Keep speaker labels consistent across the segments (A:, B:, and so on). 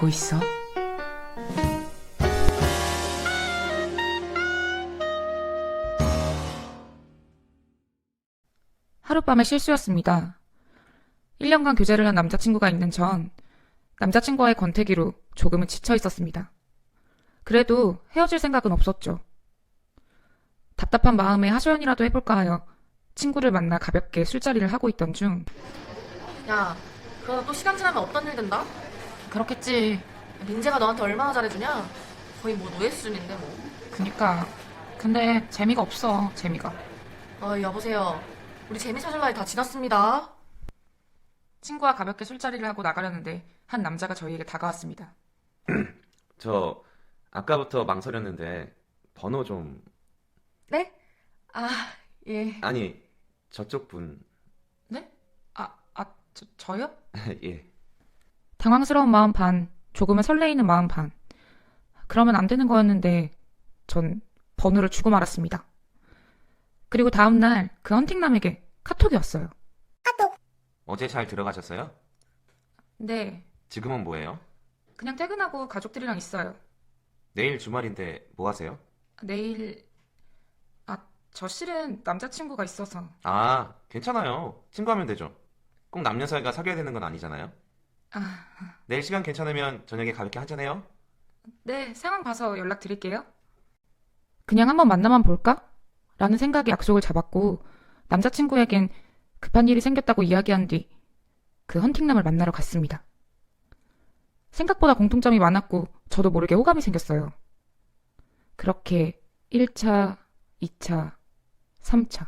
A: 알고 있어? 하룻밤의 실수였습니다. 1년간 교제를 한 남자친구가 있는 전 남자친구와의 권태기로 조금은 지쳐 있었습니다. 그래도 헤어질 생각은 없었죠. 답답한 마음에 하소연이라도 해볼까 하여 친구를 만나 가볍게 술자리를 하고 있던 중
B: 야, 그러다 또 시간 지나면 없던 일 된다?
A: 그렇겠지.
B: 민재가 너한테 얼마나 잘해주냐? 거의 뭐 노예 수준인데 뭐.
A: 그니까. 근데 재미가 없어, 재미가.
B: 여보세요. 우리 재미 찾을 나이 다 지났습니다.
A: 친구와 가볍게 술자리를 하고 나가려는데 한 남자가 저희에게 다가왔습니다.
C: 저 아까부터 망설였는데 번호 좀.
B: 네? 아, 예.
C: 아니, 저쪽 분.
A: 네? 저요?
C: 예.
A: 당황스러운 마음 반, 조금은 설레이는 마음 반. 그러면 안 되는 거였는데 전 번호를 주고 말았습니다. 그리고 다음날 그 헌팅남에게 카톡이 왔어요.
C: 어제 잘 들어가셨어요?
A: 네,
C: 지금은 뭐예요?
A: 그냥 퇴근하고 가족들이랑 있어요.
C: 내일 주말인데 뭐 하세요?
A: 내일... 저 실은 남자친구가 있어서...
C: 아, 괜찮아요. 친구하면 되죠. 꼭 남녀 사이가 사귀어야 되는 건 아니잖아요. 내일 시간 괜찮으면 저녁에 가볍게 한잔해요.
A: 네, 상황 봐서 연락드릴게요. 그냥 한번 만나만 볼까? 라는 생각에 약속을 잡았고 남자친구에겐 급한 일이 생겼다고 이야기한 뒤 그 헌팅남을 만나러 갔습니다. 생각보다 공통점이 많았고 저도 모르게 호감이 생겼어요. 그렇게 1차, 2차, 3차.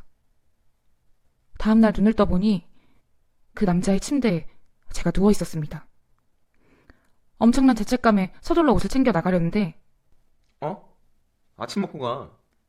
A: 다음날 눈을 떠보니 그 남자의 침대에 제가 누워 있었습니다. 엄청난 죄책감에 서둘러 옷을 챙겨 나가려는데
C: 어? 아침 먹고 가.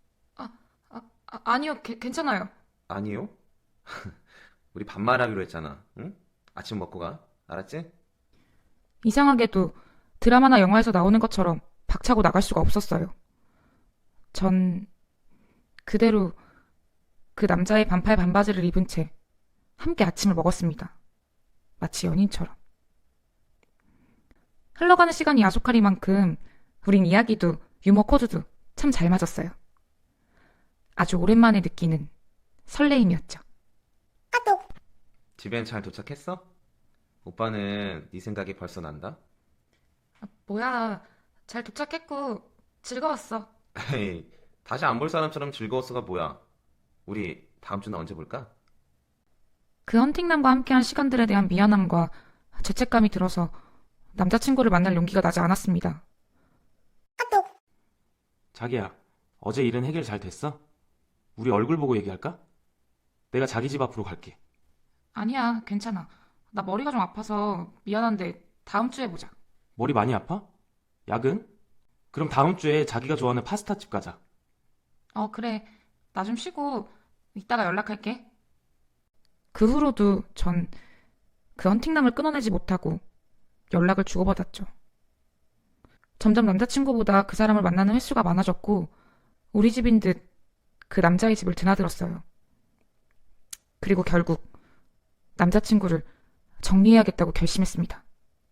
A: 아니요, 괜찮아요.
C: 아니요? 우리 반말하기로 했잖아. 응? 아침 먹고 가. 알았지?
A: 이상하게도 드라마나 영화에서 나오는 것처럼 박차고 나갈 수가 없었어요. 전 그대로 그 남자의 반팔 반바지를 입은 채 함께 아침을 먹었습니다. 마치 연인처럼. 흘러가는 시간이 야속하리만큼 우린 이야기도 유머 코드도 참 잘 맞았어요. 아주 오랜만에 느끼는 설레임이었죠.
C: 집엔 잘 도착했어? 오빠는 네 생각이 벌써 난다?
A: 뭐야, 잘 도착했고 즐거웠어.
C: 에이, 다시 안 볼 사람처럼 즐거웠어가 뭐야? 우리 다음 주는 언제 볼까?
A: 그 헌팅남과 함께한 시간들에 대한 미안함과 죄책감이 들어서 남자친구를 만날 용기가 나지 않았습니다.
D: 자기야, 어제 일은 해결 잘 됐어? 우리 얼굴 보고 얘기할까? 내가 자기 집 앞으로 갈게.
A: 아니야, 괜찮아. 나 머리가 좀 아파서 미안한데 다음 주에 보자.
D: 머리 많이 아파? 야근? 그럼 다음 주에 자기가 좋아하는 파스타집 가자.
A: 그래. 나 좀 쉬고 이따가 연락할게. 그 후로도 전 그 헌팅남을 끊어내지 못하고 연락을 주고받았죠. 점점 남자친구보다 그 사람을 만나는 횟수가 많아졌고 우리 집인 듯 그 남자의 집을 드나들었어요. 그리고 결국 남자친구를 정리해야겠다고 결심했습니다.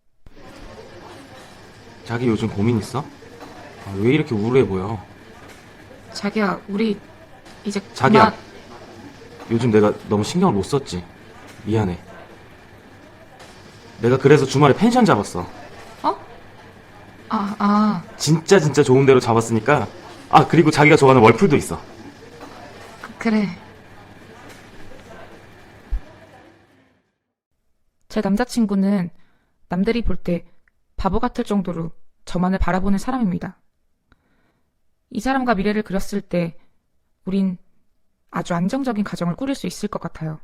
D: 자기 요즘 고민 있어? 왜 이렇게 우울해 보여?
A: 자기야, 우리 이제
D: 자기야, 요즘 내가 너무 신경을 못 썼지. 미안해. 내가 그래서 주말에 펜션 잡았어. 진짜 좋은 데로 잡았으니까. 그리고 자기가 좋아하는 월풀도 있어.
A: 그래. 제 남자친구는 남들이 볼 때 바보 같을 정도로 저만을 바라보는 사람입니다. 이 사람과 미래를 그렸을 때 우린 아주 안정적인 가정을 꾸릴 수 있을 것 같아요.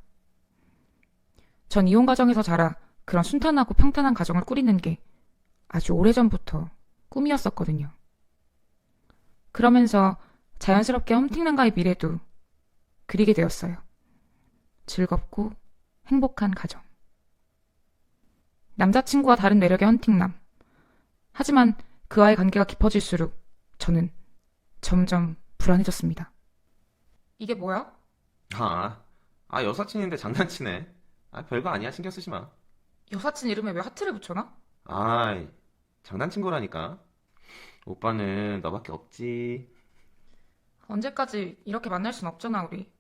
A: 전 이혼 가정에서 자라 그런 순탄하고 평탄한 가정을 꾸리는 게 아주 오래전부터 꿈이었었거든요. 그러면서 자연스럽게 헌팅남과의 미래도 그리게 되었어요. 즐겁고 행복한 가정. 남자친구와 다른 매력의 헌팅남. 하지만 그와의 관계가 깊어질수록 저는 점점 불안해졌습니다. 이게 뭐야?
C: 여사친인데 장난치네. 별거 아니야. 신경 쓰지 마.
A: 여사친 이름에 왜 하트를 붙여놔?
C: 아이, 장난친 거라니까. 오빠는 너밖에 없지.
A: 언제까지 이렇게 만날 순 없잖아, 우리.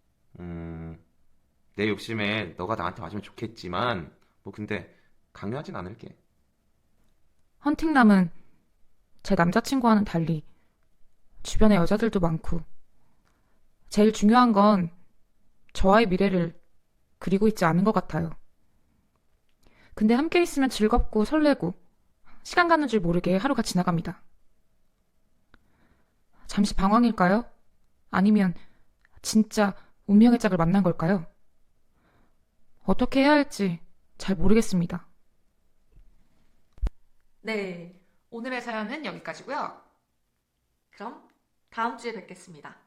C: 내 욕심에 너가 나한테 와주면 좋겠지만, 뭐 근데 강요하진 않을게.
A: 헌팅남은 제 남자친구와는 달리 주변에 여자들도 많고, 제일 중요한 건 저와의 미래를 그리고 있지 않은 것 같아요. 근데 함께 있으면 즐겁고 설레고, 시간 가는 줄 모르게 하루가 지나갑니다. 잠시 방황일까요? 아니면 진짜 운명의 짝을 만난 걸까요? 어떻게 해야 할지 잘 모르겠습니다.
B: 네.
A: 오늘의 사연은 여기까지고요.
B: 그럼 다음 주에 뵙겠습니다.